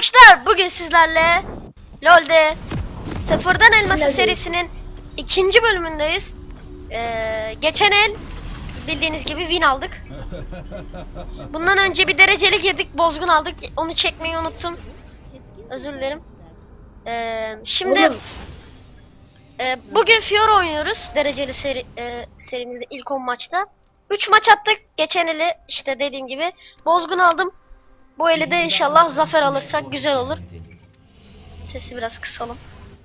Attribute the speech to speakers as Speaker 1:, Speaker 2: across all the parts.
Speaker 1: arkadaşlar, bugün sizlerle LoL'de Sıfırdan Elması serisinin ikinci bölümündeyiz. Geçen el bildiğiniz gibi win aldık. Bundan önce bir dereceli girdik, bozgun aldık. Onu çekmeyi unuttum. Özür dilerim. Şimdi bugün Fiora oynuyoruz. Dereceli serimizde ilk 10 maçta. 3 maç attık. Geçen eli işte dediğim gibi bozgun aldım. Bu eli de inşallah zafer alırsak güzel olur. Sesi biraz kısalım.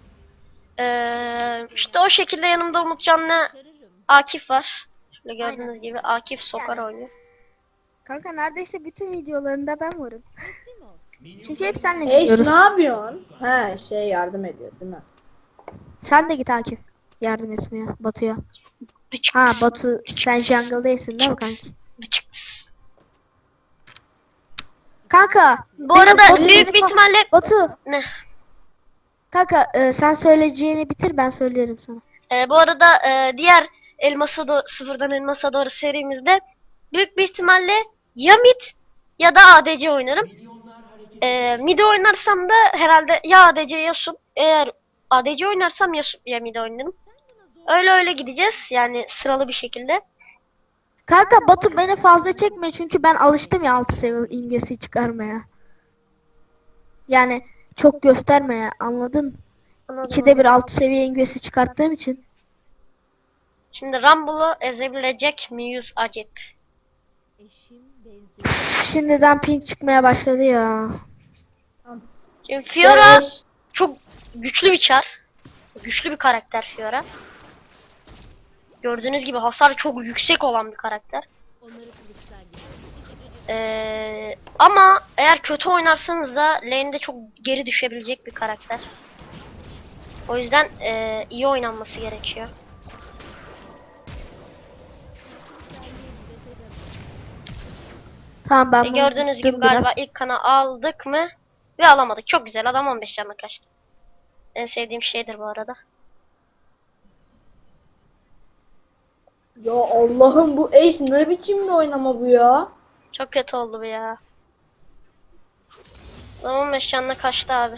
Speaker 1: İşte o şekilde yanımda Umutcan'la Akif var. Şöyle gördüğünüz gibi Akif sokar oynuyor.
Speaker 2: Kanka neredeyse bütün videolarında ben varım. Çünkü hep senle gidiyoruz.
Speaker 3: Ne yapıyorsun? He yardım ediyor değil mi?
Speaker 2: Sen de git Akif. Yardım etmeye Batu'ya. Ha Batu sen jungle'daysın değil mi kanki? Kanka.
Speaker 1: Bu arada
Speaker 2: Batu,
Speaker 1: büyük bir ihtimalle
Speaker 2: Batu.
Speaker 1: ne?
Speaker 2: Kanka sen söyleyeceğini bitir ben söylerim sana.
Speaker 1: Bu arada diğer Sıfırdan Elmas'a doğru serimizde büyük bir ihtimalle ya mid ya da ADC oynarım. Mid oynarsam da herhalde ya ADC ya sub. Eğer ADC oynarsam ya sub ya mid oynarım. Öyle gideceğiz yani sıralı bir şekilde.
Speaker 2: Kanka Batu beni fazla çekme çünkü ben alıştım ya 6 seviye imgesi çıkarmaya. Yani çok göstermeye anladın?
Speaker 1: Anladım.
Speaker 2: 2'de bir 6 seviye imgesi çıkarttığım için.
Speaker 1: Şimdi Rumble'ı ezebilecek miyiz acep?
Speaker 2: Şimdiden ping çıkmaya başladı ya.
Speaker 1: Şimdi Fiora çok güçlü bir çar. Güçlü bir karakter Fiora. Gördüğünüz gibi hasar çok yüksek olan bir karakter. Ama eğer kötü oynarsanız da lane'de çok geri düşebilecek bir karakter. O yüzden iyi oynanması gerekiyor.
Speaker 2: Tamam ben bunu
Speaker 1: Gördüğünüz gibi
Speaker 2: tuttum
Speaker 1: galiba
Speaker 2: biraz.
Speaker 1: ilk kanı aldık mı? Ve alamadık. Çok güzel. Adam 15 canına kaçtı. En sevdiğim şeydir bu arada.
Speaker 3: Ya Allah'ım bu eş ne biçim bir oynama bu ya?
Speaker 1: Çok kötü oldu bu ya. Adam 15 canına kaçtı abi.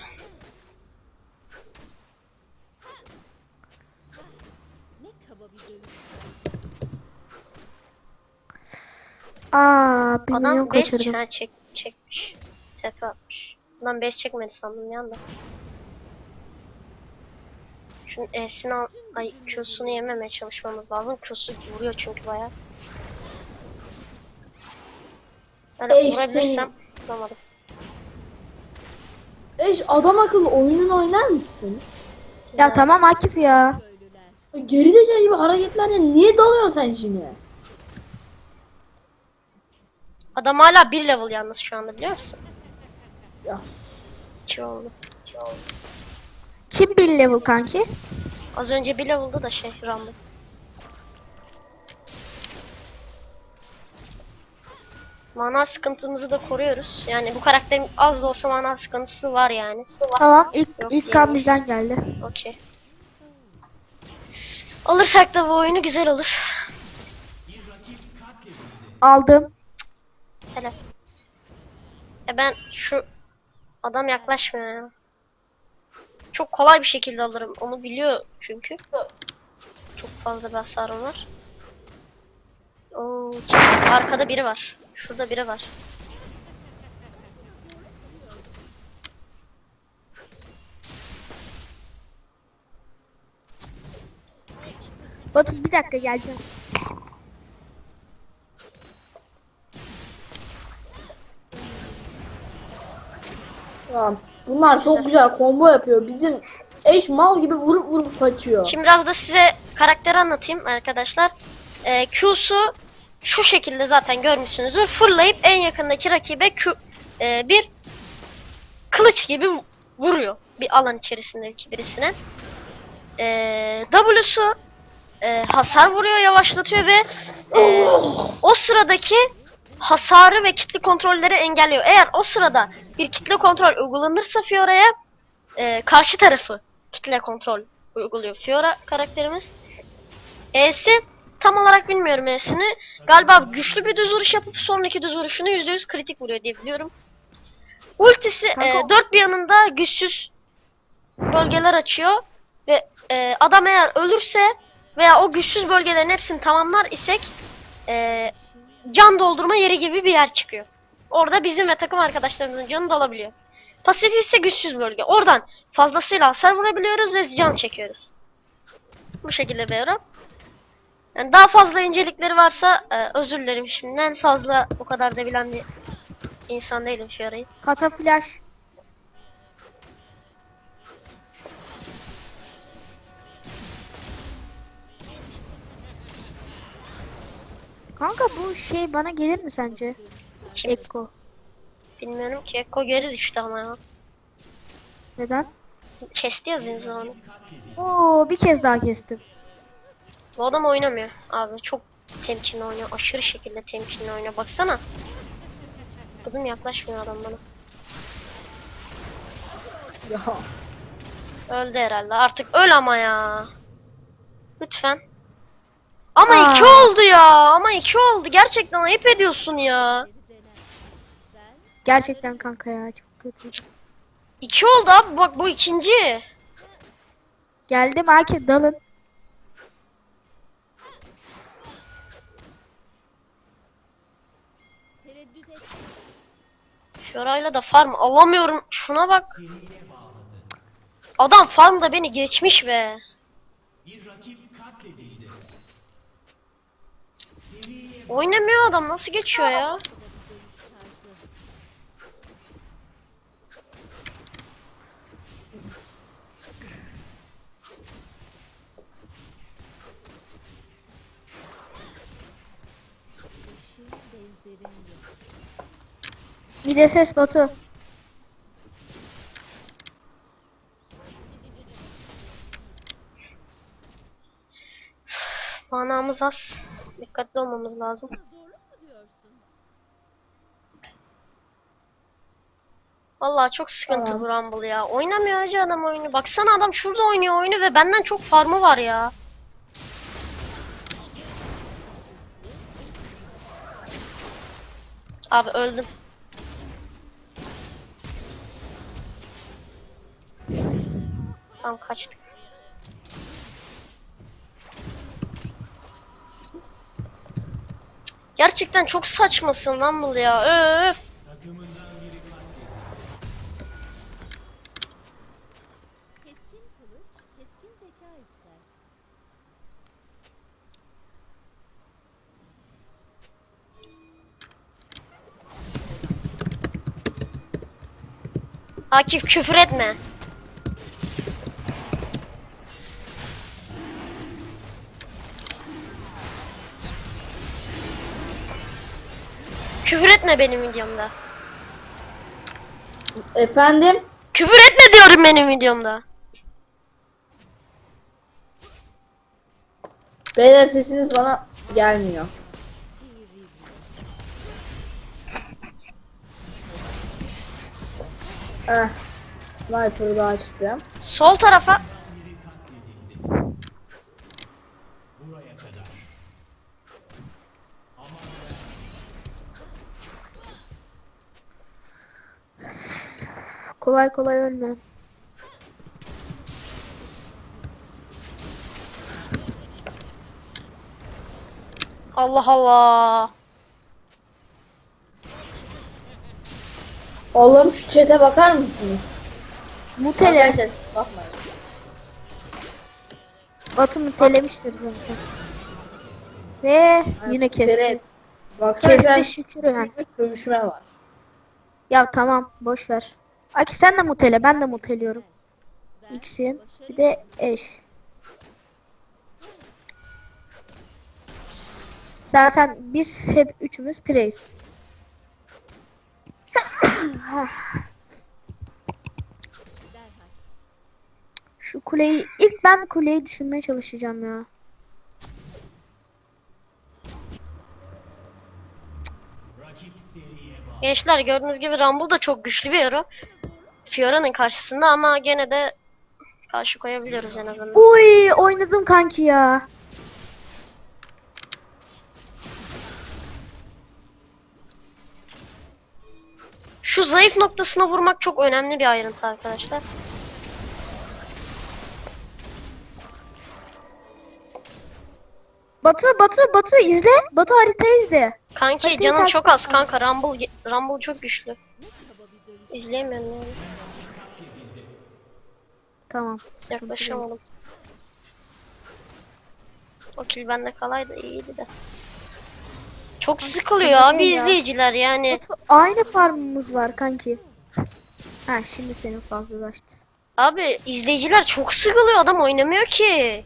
Speaker 2: Aa, 1 milyon
Speaker 1: Adam 5
Speaker 2: kaçırdım.
Speaker 1: can çekmiş. Tepe atmış. Adam 5 çekmedi sandım ya da. Şunun E'sini al... Ay Q'sunu yememeye çalışmamız lazım. Q'su vuruyor çünkü bayağı. Yani vurabilirsem vuramadım.
Speaker 3: Eş adam akıllı oyununu oynar mısın?
Speaker 2: Ya tamam Akif ya.
Speaker 3: Gerizekalı gibi hareketlerle niye dalıyorsun sen şimdi?
Speaker 1: Adam hala 1 level yalnız şu anda biliyor musun?
Speaker 3: Ya
Speaker 1: 2 oldu.
Speaker 2: Kim 1 level kanki?
Speaker 1: Az önce 1 level'da da Rumble. Mana sıkıntımızı da koruyoruz. Yani bu karakterin az da olsa mana sıkıntısı var yani.
Speaker 2: Tamam ilk
Speaker 1: Yok
Speaker 2: ilk kan
Speaker 1: diyemeyiz.
Speaker 2: bizden geldi.
Speaker 1: Okey. Alırsak da bu oyunu güzel olur.
Speaker 2: Aldım.
Speaker 1: Helal. Ben şu adam yaklaşmıyor ya. Çok kolay bir şekilde alırım. Onu biliyor çünkü. Çok fazla bir hasarım var. Oo, arkada biri var. Şurada biri var.
Speaker 2: Batu bir dakika geleceğim.
Speaker 3: tamam. Bunlar çok güzel combo yapıyor. Bizim eş mal gibi vurup kaçıyor.
Speaker 1: Şimdi biraz da size karakteri anlatayım arkadaşlar. Q'su şu şekilde zaten görmüşsünüzdür. Fırlayıp en yakındaki rakibe bir kılıç gibi vuruyor. Bir alan içerisindeki birisine. W'su hasar vuruyor, yavaşlatıyor ve o sıradaki hasarı ve kitle kontrolleri engelliyor. Eğer o sırada bir kitle kontrol uygulanırsa Fiora'ya karşı tarafı kitle kontrol uyguluyor Fiora karakterimiz. E'si tam olarak bilmiyorum E'sini. Galiba güçlü bir düz vuruş yapıp sonraki düz vuruşunu %100 kritik vuruyor diye biliyorum. Ultisi
Speaker 2: Kanka-
Speaker 1: dört bir yanında güçsüz bölgeler açıyor ve adam eğer ölürse veya o güçsüz bölgelerin hepsini tamamlar isek can doldurma yeri gibi bir yer çıkıyor. Orada bizim ve takım arkadaşlarımızın canı dolabiliyor. Pasif ise güçsüz bölge. Oradan fazlasıyla hasar vurabiliyoruz ve can çekiyoruz. Bu şekilde bir ara. Yani daha fazla incelikleri varsa özür dilerim şimdiden. Fazla o kadar da bilen bir insan değilim şu arayı.
Speaker 2: Kata flash. Kanka bu şey bana gelir mi sence?
Speaker 1: Kim?
Speaker 2: Ekko.
Speaker 1: Bilmiyorum ki. Ekko geri düştü ama ya.
Speaker 2: Neden?
Speaker 1: Kesti ya Zinza'nı.
Speaker 2: Oo, bir kez daha kestim.
Speaker 1: Bu adam oynamıyor abi. Çok temkinli oynuyor. Aşırı şekilde temkinli oynuyor. Baksana. Adım yaklaşmıyor adam bana.
Speaker 3: Ya.
Speaker 1: Öldü herhalde. Artık öl ama ya. Lütfen. Ama
Speaker 2: Aa.
Speaker 1: 2 oldu ya. Ama 2 oldu. Gerçekten ayıp ediyorsun ya.
Speaker 2: Gerçekten kanka ya, çok kötü.
Speaker 1: 2 oldu abi. Bak bu ikinci.
Speaker 2: Geldim Akif, dalın.
Speaker 1: Fiora'yla da farm alamıyorum. Şuna bak. Adam farmda beni geçmiş be. Oynamıyor adam. Nasıl geçiyor ya?
Speaker 2: Bir de ses Batu.
Speaker 1: Manamız az. Dikkatli olmamız lazım. Vallahi çok sıkıntı
Speaker 3: Tamam.
Speaker 1: bu Rumble ya. Oynamıyor hacı adam oyunu. Baksana adam şurada oynuyor oyunu ve benden çok farmı var ya. Abi öldüm. Tam kaçtık. Gerçekten çok saçmasın Rumble ya. Öf.
Speaker 4: Keskin kılıç, keskin zeka ister.
Speaker 1: Akif küfür etme. Küfür etme benim videomda.
Speaker 3: Efendim?
Speaker 1: Küfür etme diyorum benim videomda.
Speaker 3: Beyler sesiniz bana gelmiyor. Eh. Sniper'ı da açtım.
Speaker 1: Sol tarafa.
Speaker 2: Kolay kolay ölme.
Speaker 1: Allah Allah.
Speaker 3: Oğlum şu chat'e bakar mısınız?
Speaker 2: Mutele.
Speaker 3: Arkadaşlar bakmayın.
Speaker 2: Batu mutelemiştir zaten. Ve yine kesti.
Speaker 3: Mutele. Baksana şu an
Speaker 2: Kesti şükür yani.
Speaker 3: dövüşme var.
Speaker 2: Ya tamam, boş ver. Aki sen de mutele, ben de muteliyorum. X'in bir de eş. Zaten biz hep üçümüz preyiz. Şu kuleyi ilk ben kuleyi düşünmeye çalışacağım ya.
Speaker 1: Gençler gördüğünüz gibi Rumble da çok güçlü bir hero. Fiora'nın karşısında ama gene de karşı koyabiliyoruz en azından.
Speaker 2: Uy, oynadım kanki ya.
Speaker 1: Şu zayıf noktasına vurmak çok önemli bir ayrıntı arkadaşlar.
Speaker 2: Batu izle. Batu haritayı izle.
Speaker 1: Kanki
Speaker 2: Haritayı
Speaker 1: canım
Speaker 2: takip
Speaker 1: çok
Speaker 2: et.
Speaker 1: az kanka. Rumble çok güçlü.
Speaker 4: Ne kaba bir dönüş.
Speaker 1: İzleyemiyorum yani.
Speaker 2: Tamam. sıkıntı yok.
Speaker 1: Yaklaşamadım. O kill bende kalaydı iyiydi de. Çok sıkılıyor
Speaker 2: sıkıntı
Speaker 1: abi
Speaker 2: değil ya.
Speaker 1: izleyiciler yani.
Speaker 2: Batu, aynı farmımız var kanki. Ha şimdi senin fazlalaştı.
Speaker 1: Abi izleyiciler çok sıkılıyor, adam oynamıyor ki.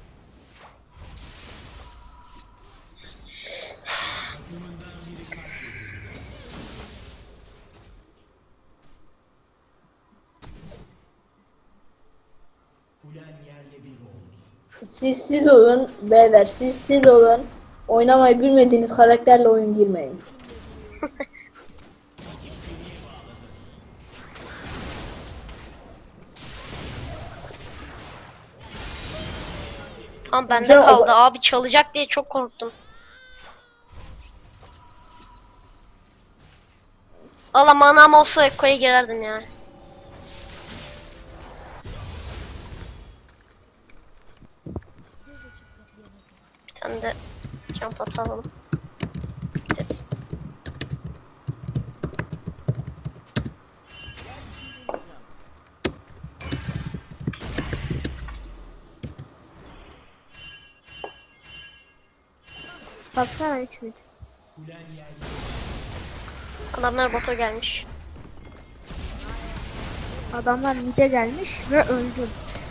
Speaker 3: Siz olun beyler, siz olun. Oynamayı bilmediğiniz karakterle oyun girmeyin.
Speaker 1: Tam bende
Speaker 3: Güzel,
Speaker 1: kaldı abi, çalacak diye çok korktum. Valla manam olsa Ekko'ya girerdim ya. Bir tane de jump atalım.
Speaker 2: Baksana 3 mid.
Speaker 1: Adamlar bota gelmiş.
Speaker 2: Adamlar mid'e gelmiş ve öldü.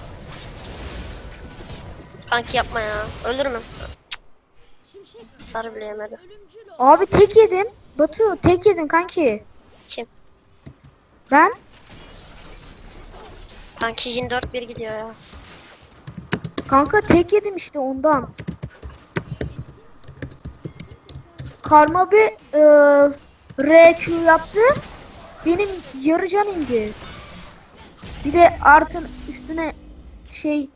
Speaker 1: Kanki yapma ya. Ölür mü?
Speaker 4: Şimşek
Speaker 1: Sarı bile yemedi.
Speaker 4: ölümcül o.
Speaker 2: Abi tek yedim. Batu tek yedim kanki.
Speaker 1: Kim?
Speaker 2: Ben
Speaker 1: Kanki Jin 4-1 gidiyor ya.
Speaker 2: kanka tek yedim işte ondan. Karma bir RQ yaptı. Benim yarı can indi. Bir de artın üstüne şey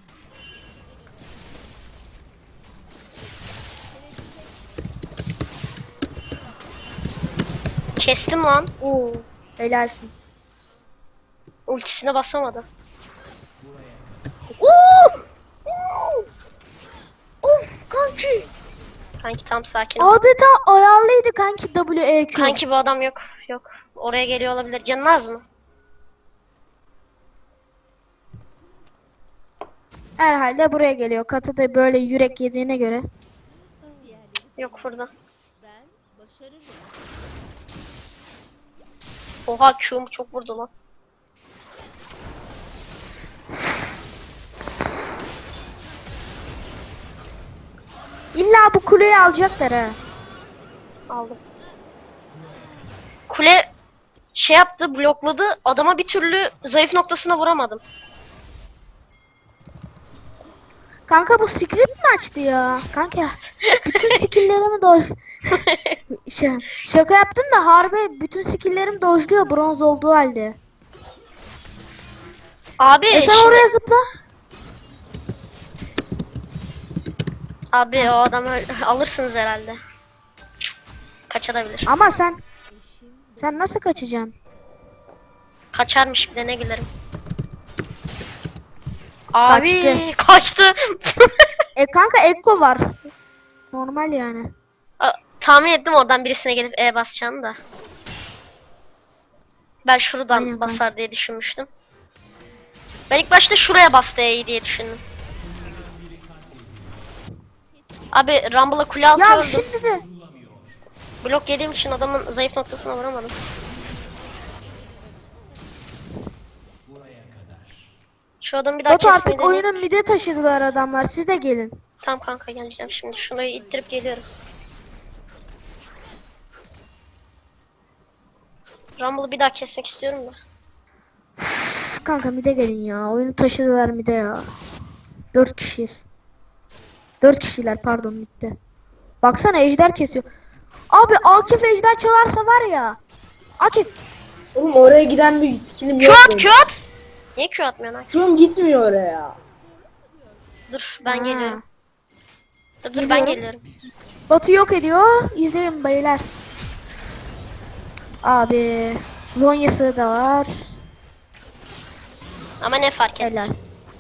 Speaker 1: Kestim lan.
Speaker 2: o helalsin.
Speaker 1: Ultisine basamadı.
Speaker 2: Oo! Oo! Of kanki.
Speaker 1: Kanki tam sakin ol.
Speaker 2: Adeta ayarlıydı kanki WEQ.
Speaker 1: Kanki bu adam yok. Yok. Oraya geliyor olabilir. Canın az mı?
Speaker 2: Herhalde buraya geliyor. Katı da böyle yürek yediğine göre.
Speaker 4: Diğerleri
Speaker 1: Yok burada.
Speaker 4: ben başarırım.
Speaker 1: Oha Q'mu çok vurdu lan.
Speaker 2: İlla bu kuleyi alacaklar ha.
Speaker 1: Aldım. Kule şey yaptı, blokladı. Adama bir türlü zayıf noktasına vuramadım.
Speaker 2: Kanka bu script mi açtı ya? Kanka bütün skill'lerimi doj... Şaka yaptım da harbi bütün skill'lerim dojluyor bronz olduğu halde.
Speaker 1: Abi
Speaker 2: Sen
Speaker 1: şimdi-
Speaker 2: oraya zıpla.
Speaker 1: Abi o adamı alırsınız herhalde. Kaçabilir.
Speaker 2: Ama sen nasıl kaçacaksın?
Speaker 1: Kaçarmış bir de ne gülerim. Abi
Speaker 2: Kaçtı.
Speaker 1: kaçtı.
Speaker 2: Kanka Ekko var. Normal yani.
Speaker 1: Tahmin ettim oradan birisine gelip E basacağını da. Ben şuradan
Speaker 2: Aynen,
Speaker 1: basar diye düşünmüştüm. Ben ilk başta şuraya bastı E'yi diye düşündüm. Abi Rumble'a kule altı
Speaker 2: Ya
Speaker 1: öldüm.
Speaker 2: şimdi de
Speaker 1: Blok yediğim için adamın zayıf noktasına vuramadım. Şu adamı bir daha
Speaker 2: Batu
Speaker 1: kesmeyi
Speaker 2: artık
Speaker 1: deneyeyim.
Speaker 2: oyunu mid'e taşıdılar adamlar. Siz de gelin.
Speaker 1: Tamam kanka geleceğim şimdi. Şunu ittirip geliyorum. Rumble'ı bir daha kesmek istiyorum da.
Speaker 2: Üf, kanka mid'e gelin ya. Oyunu taşıdılar mid'e ya. 4 kişiyiz. 4 kişiler pardon mid'de. Baksana ejder kesiyor. Abi Akif ejder çalarsa var ya. Akif.
Speaker 3: Oğlum oraya giden bir skillim
Speaker 1: Q
Speaker 3: yok.
Speaker 1: at
Speaker 3: benim.
Speaker 1: Q at. Niye Q atmıyorsun Akif?
Speaker 3: Q'm gitmiyor oraya.
Speaker 1: Dur ben
Speaker 2: Ha.
Speaker 1: geliyorum. Dur ben
Speaker 2: Geliyorum.
Speaker 1: geliyorum.
Speaker 2: Batu yok ediyor. İzleyin beyler. Abi Zonya'sı da var.
Speaker 1: Ama ne fark eder?
Speaker 2: Helal.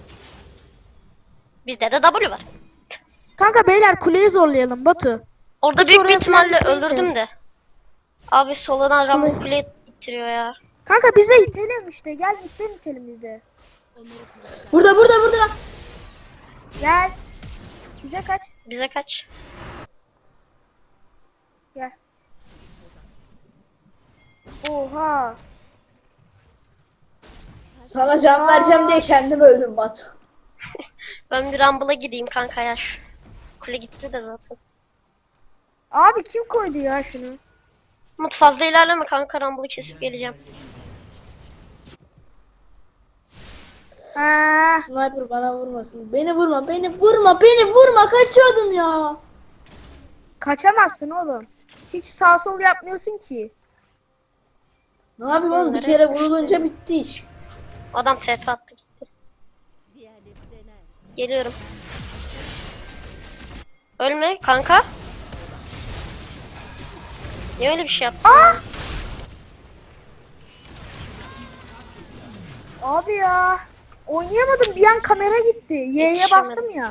Speaker 1: Bizde de W var.
Speaker 2: Kanka beyler kuleyi zorlayalım Batu.
Speaker 1: Orada
Speaker 2: Hiç
Speaker 1: büyük bir
Speaker 2: oraya falan
Speaker 1: ihtimalle
Speaker 2: gitmeyin de.
Speaker 1: öldürdüm de. Abi soladan Rumble
Speaker 2: Kule-
Speaker 1: kule ittiriyor ya.
Speaker 2: Kanka biz de itelim işte. Gel itelim biz de.
Speaker 4: Onları kurtar.
Speaker 3: Burada.
Speaker 2: Gel. Bize kaç.
Speaker 1: Bize kaç?
Speaker 2: Gel. Oha.
Speaker 3: Sana can vereceğim diye kendim öldüm Batu.
Speaker 1: Ben bir Rumble'a gideyim kanka ya. Kule gitti de zaten.
Speaker 2: Abi kim koydu ya şunu?
Speaker 1: Umut fazla ilerleme kanka, Rumble'ı kesip geleceğim.
Speaker 2: Ha.
Speaker 3: Sniper bana vurmasın. Beni vurma. Kaçıyordum ya.
Speaker 2: Kaçamazsın oğlum. Hiç sağ sol yapmıyorsun ki.
Speaker 3: Ne yapayım oğlum, bir kere vurulunca bitti iş.
Speaker 1: Adam TP attı gitti.
Speaker 4: Diğerleri dener.
Speaker 1: Geliyorum. Ölme kanka. Niye öyle bir şey yaptın?
Speaker 2: Abi ya. Oynayamadım, bir an kamera gitti. Y'ye
Speaker 1: Yetişemedim.
Speaker 2: bastım ya.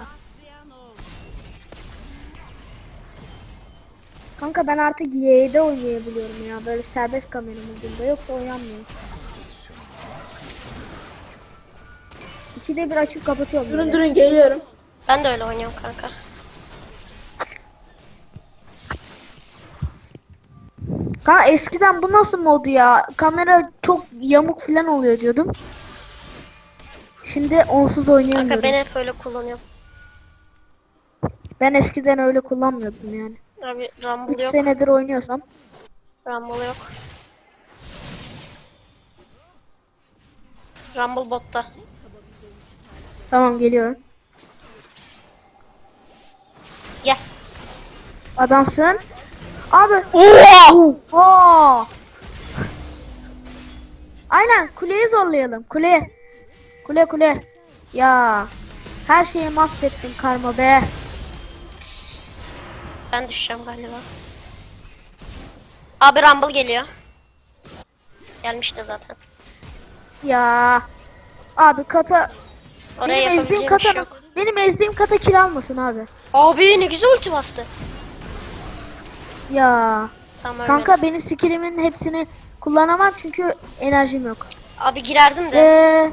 Speaker 2: Kanka ben artık Y'de oynayabiliyorum ya. Böyle serbest kamera modunda, yoksa oynamıyorum. İkide bir açıp kapatıyorum. böyle.
Speaker 3: Durun geliyorum.
Speaker 1: Ben de öyle oynuyorum kanka.
Speaker 2: Kanka eskiden bu nasıl modu ya? Kamera çok yamuk falan oluyor diyordum. Şimdi onsuz oynayamıyorum.
Speaker 1: Kanka ben hep öyle kullanıyorum.
Speaker 2: Ben eskiden öyle kullanmıyordum yani.
Speaker 1: Abi
Speaker 2: 3
Speaker 1: Rumble yok.
Speaker 2: senedir oynuyorsam.
Speaker 1: Rumble yok. Rumble botta.
Speaker 2: Tamam, geliyorum.
Speaker 1: Gel.
Speaker 2: Adamsın. Abi.
Speaker 1: Oha!
Speaker 2: Oha! Aynen, kuleyi zorlayalım. Kule. Kule. Ya. Her şeyi mahvettin karma be.
Speaker 1: Ben düşeceğim galiba. Abi Rumble geliyor. Gelmiş de zaten.
Speaker 2: Ya. Abi kata.
Speaker 1: Oraya
Speaker 2: Benim ezdiğim
Speaker 1: yapabileceğim bir şey
Speaker 2: kata.
Speaker 1: yok.
Speaker 2: Benim ezdiğim kata kill almasın abi.
Speaker 1: Abi ne güzel ulti bastı.
Speaker 2: Ya.
Speaker 1: Tamam öyle.
Speaker 2: Kanka benim skillimin hepsini kullanamam çünkü enerjim yok.
Speaker 1: Abi girerdim de.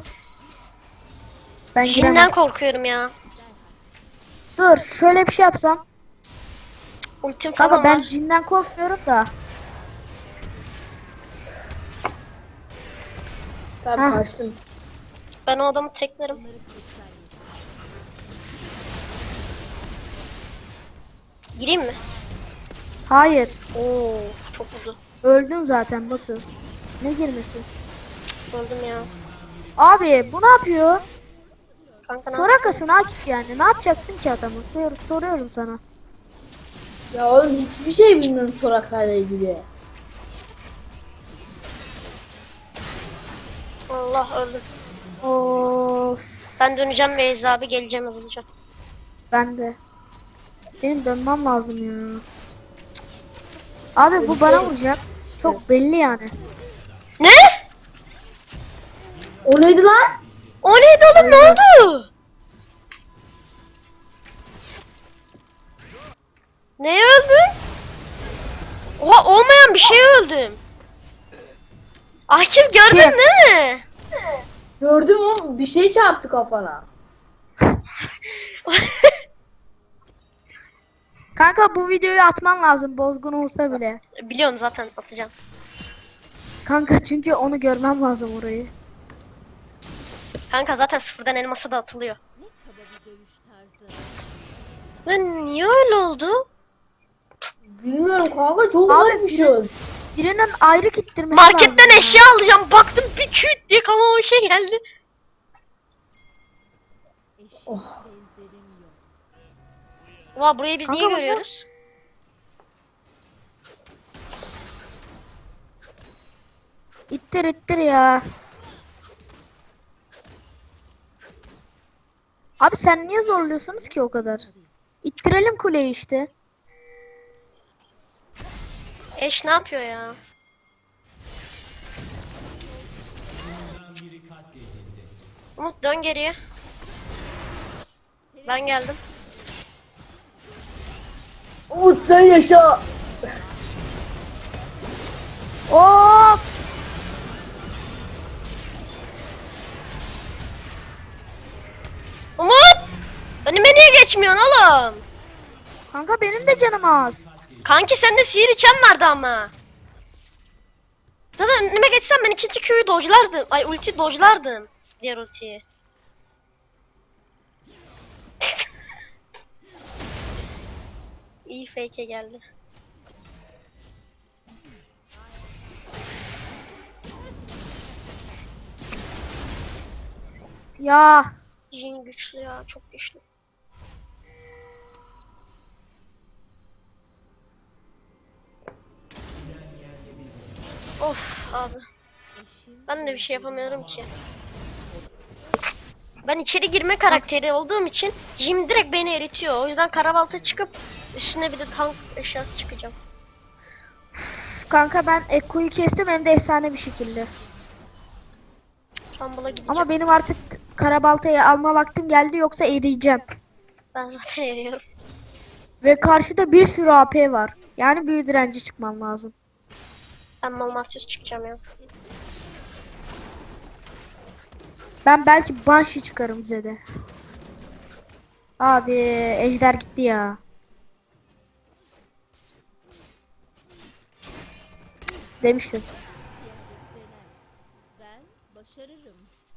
Speaker 2: Ben giremem.
Speaker 1: Jin'den korkuyorum ya.
Speaker 2: Dur, şöyle bir şey yapsam.
Speaker 1: Ultim falan
Speaker 2: Kanka ben
Speaker 1: var.
Speaker 2: cinden korkmuyorum da.
Speaker 3: Tamam,
Speaker 2: Hah.
Speaker 3: kaçtım.
Speaker 1: Ben o adamı teklerim. Gireyim mi?
Speaker 2: Hayır.
Speaker 1: Oo, çok vurdu.
Speaker 2: Öldün zaten Batu. Ne girmesi?
Speaker 1: Öldüm ya.
Speaker 2: Abi bu ne yapıyor?
Speaker 1: Kanka ne
Speaker 2: Sorakasın Akif yani. Ne yapacaksın ki adamı? Soruyorum sana.
Speaker 3: Ya oğlum hiçbir şey bilmiyorum Soraka'yla ilgili.
Speaker 1: Allah öldüm.
Speaker 2: Of.
Speaker 1: Ben döneceğim ve Eza abi geleceğim hızlıca.
Speaker 2: Ben de. Benim dönmem lazım ya. Cık. Abi bu bana vuracak. Çok belli yani.
Speaker 1: Ne?
Speaker 3: O neydi lan?
Speaker 1: O neydi oğlum, ne oldu? Neye öldün? Oha, olmayan bir şeye öldüm. Akif gördün
Speaker 2: Kim?
Speaker 1: değil mi?
Speaker 3: Gördüm oğlum, bir şey çarptı kafana.
Speaker 2: Kanka bu videoyu atman lazım, bozgun olsa bile.
Speaker 1: Biliyorum zaten, atacağım.
Speaker 2: Kanka çünkü onu görmem lazım orayı.
Speaker 1: Kanka zaten sıfırdan elması da atılıyor.
Speaker 4: Ne kaba bir dövüş tarzı.
Speaker 1: Ben niye öyle oldu?
Speaker 3: Bilmiyorum kanka, çok
Speaker 2: Abi,
Speaker 3: garip bir şey oldu.
Speaker 2: Birinin ayrı gittirmesi lazım.
Speaker 1: Marketten
Speaker 2: ya.
Speaker 1: eşya alacağım. Baktım bir küt diye kafama şey geldi.
Speaker 4: Eşit
Speaker 3: Oh.
Speaker 4: benzerim yok.
Speaker 1: Oha, burayı biz
Speaker 2: Kanka
Speaker 1: niye
Speaker 2: bunlar-
Speaker 1: görüyoruz?
Speaker 2: İttir ya. Abi sen niye zorluyorsunuz ki o kadar? İttirelim kuleyi işte.
Speaker 1: Eş ne yapıyor ya? Umut dön geriye. Ben geldim.
Speaker 3: Umut sen yaşa.
Speaker 2: Hop.
Speaker 1: Umut! Önüme niye geçmiyorsun oğlum?
Speaker 2: Kanka benim de canım az.
Speaker 1: Kanki sende sihir içen vardı ama. Zaten önüme geçsen ben ikinci Q'yu dodge'lardım. Ay ulti dodge'lardım. Diğer ultiyi. İyi fake'e geldi.
Speaker 2: Ya.
Speaker 1: Jin güçlü ya, çok güçlü. Of abi. Ben de bir şey yapamıyorum ki. Ben içeri girme karakteri olduğum için Jim direkt beni eritiyor. O yüzden karabalta çıkıp üstüne bir de tank eşyası çıkacağım.
Speaker 2: Kanka ben Ekko'yu kestim hem de efsane bir şekilde.
Speaker 1: Rumble'a gideceğim.
Speaker 2: Ama benim artık karabaltayı alma vaktim geldi yoksa eriyeceğim.
Speaker 1: Ben zaten eriyorum.
Speaker 2: Ve karşıda bir sürü AP var. Yani büyü direnci çıkmam lazım.
Speaker 1: Ben Malmartius çıkacağım ya.
Speaker 2: Ben belki Banshee çıkarım Zed'e. Abi ejder gitti ya. Demiştim.
Speaker 4: Diğerleri dener. Ben başarırım.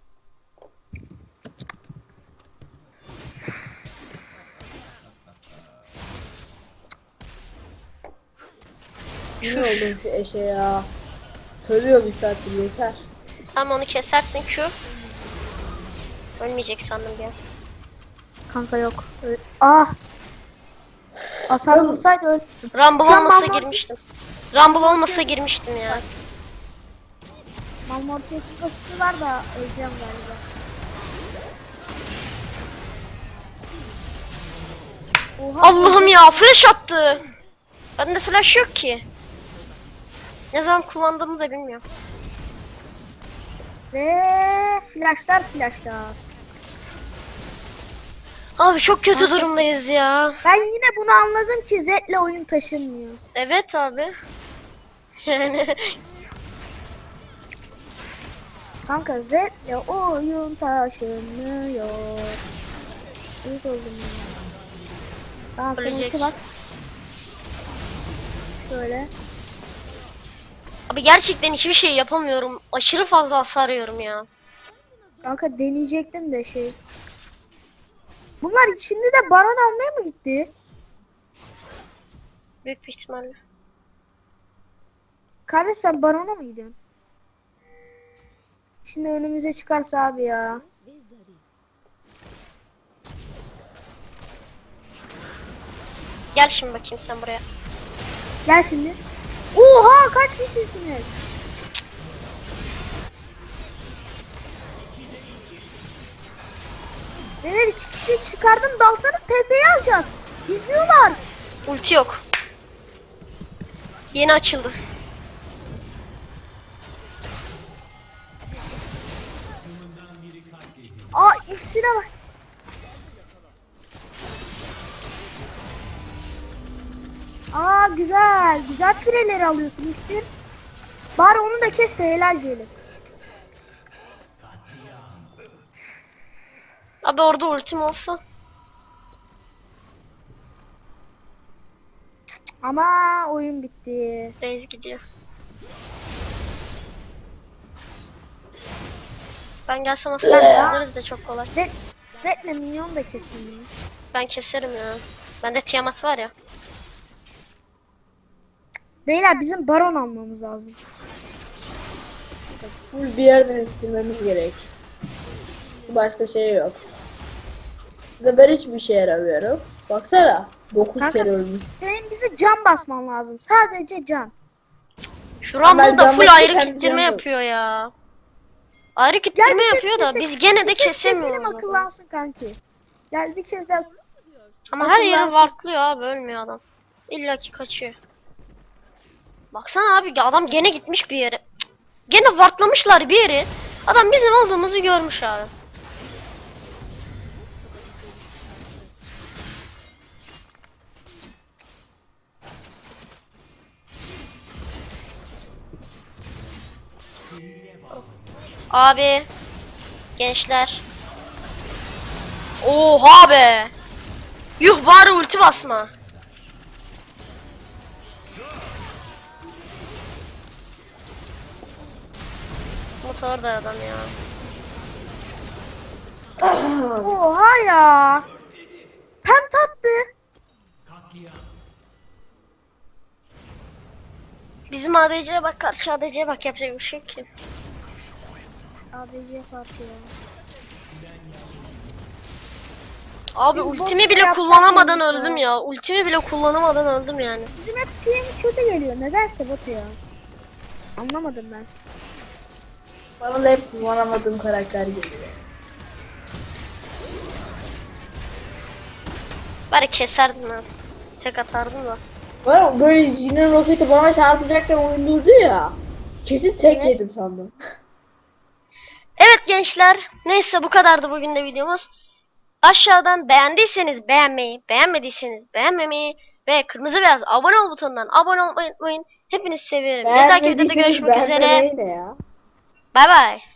Speaker 3: Ne oldun şu eşe ya. Sövüyor bir saattir yeter.
Speaker 1: Tamam onu kesersin Q. Ölmeyecek sandım ya.
Speaker 2: Kanka yok. Ah. Hasar
Speaker 3: Oğlum.
Speaker 2: vursaydı ölmüştüm.
Speaker 1: Rumble
Speaker 2: Şu an
Speaker 1: olmasa
Speaker 2: Malmortius-
Speaker 1: girmiştim. Rumble olmasa girmiştim ya.
Speaker 2: Malmortius'un kasıtı var da öleceğim galiba. Oha,
Speaker 1: Allah'ım ya flash attı. Bende flash yok ki. Ne zaman kullandığımı da bilmiyorum.
Speaker 2: Ve flashlar.
Speaker 1: Abi çok kötü durumdayız ya.
Speaker 2: Ben yine bunu anladım ki Zed'le oyun taşınmıyor.
Speaker 1: Evet abi. Yani
Speaker 2: Kanka Zed'le oyun taşınmıyor. Uyuk oldum ya. Tamam sen
Speaker 1: Ölecek.
Speaker 2: ulti bas. Şöyle.
Speaker 1: abi gerçekten hiçbir şey yapamıyorum. Aşırı fazla hasar yiyorum ya.
Speaker 2: Kanka deneyecektim de şey. Bunlar şimdi de baron almaya mı gitti?
Speaker 1: Büyük bir ihtimalle.
Speaker 2: Kardeş sen barona mı gidiyorsun? Şimdi önümüze çıkarsa abi ya.
Speaker 4: Ve zarif.
Speaker 1: Gel şimdi bakayım sen buraya.
Speaker 2: Gel şimdi. Oha kaç kişisiniz? Beyler 2 kişi çıkardım dalsanız TF'yi alacağız. İzliyorlar.
Speaker 1: Ulti yok. Yeni açıldı.
Speaker 2: Aa ikisine bak. Aa güzel. Güzel pireleri alıyorsun iksir. Bari onu da kes de helal diyelim.
Speaker 1: Abi orada ultim olsa.
Speaker 2: Ama oyun bitti.
Speaker 1: Reis gidiyor. Ben gelsem aslında alırız da çok kolay.
Speaker 2: Zed'le minyon da kesin.
Speaker 1: Ben keserim ya. Bende Tiamat var ya.
Speaker 2: Beyler bizim baron almamız lazım.
Speaker 3: Full bir yerden ittirmemiz gerek. Başka şey yok. Ben hiçbir şey yaramıyorum. Baksana. 9
Speaker 2: Kanka
Speaker 3: kere ölmüş.
Speaker 2: senin bize can basman lazım. Sadece can.
Speaker 1: Şu Rumble da
Speaker 3: ben
Speaker 1: full
Speaker 3: bakayım,
Speaker 1: ayrı
Speaker 3: kendi
Speaker 1: kittirme
Speaker 3: canım.
Speaker 1: yapıyor ya. Ayrı kittirme
Speaker 2: bir kez
Speaker 1: yapıyor da
Speaker 2: keselim.
Speaker 1: biz gene de
Speaker 2: Bir kez keselim
Speaker 1: kesemiyoruz. adamı.
Speaker 2: akıllansın kanki. Gel bir kez daha.
Speaker 1: Ama her yeri
Speaker 2: akıllansın.
Speaker 1: vartlıyor abi, ölmüyor adam. İlla ki kaçıyor. Baksana abi adam gene gitmiş bir yere. Cık. Gene vartlamışlar bir yeri. Adam bizim olduğumuzu görmüş abi. Abi. Gençler. Oha be. Yuh bari ulti basma. Motor da adam ya.
Speaker 2: Oha ya. Hem tatlı.
Speaker 1: Bizim ADC'ye bak, karşı ADC'ye bak, yapacak bir şey yok ki.
Speaker 2: ABC farkı ya.
Speaker 1: Abi
Speaker 2: Biz
Speaker 1: ultimi
Speaker 2: bot
Speaker 1: bile
Speaker 2: yapsak
Speaker 1: kullanamadan
Speaker 2: mıydık ya?
Speaker 1: öldüm ya. Ultimi bile kullanamadan öldüm yani.
Speaker 2: Bizim hep team kötü geliyor. Nedense Batu ya. Anlamadım ben.
Speaker 3: Bana da hep kullanamadığım karakter geliyor.
Speaker 1: Bari keserdim ben. Tek atardım da.
Speaker 3: Var böyle Jin'in roketi bana çarpacakken oyun durdu ya. Kesin tek yedim sandım.
Speaker 1: Evet gençler. Neyse bu kadardı bugün de videomuz. Aşağıdan beğendiyseniz beğenmeyi, beğenmediyseniz beğenmemeyi ve kırmızı beyaz abone ol butonundan abone olmayı unutmayın. Hepinizi seviyorum. Bir dahaki videoda
Speaker 3: Beğenmediyseniz
Speaker 1: görüşmek üzere.
Speaker 3: beğenmemeyi de ya.
Speaker 1: Bay bay.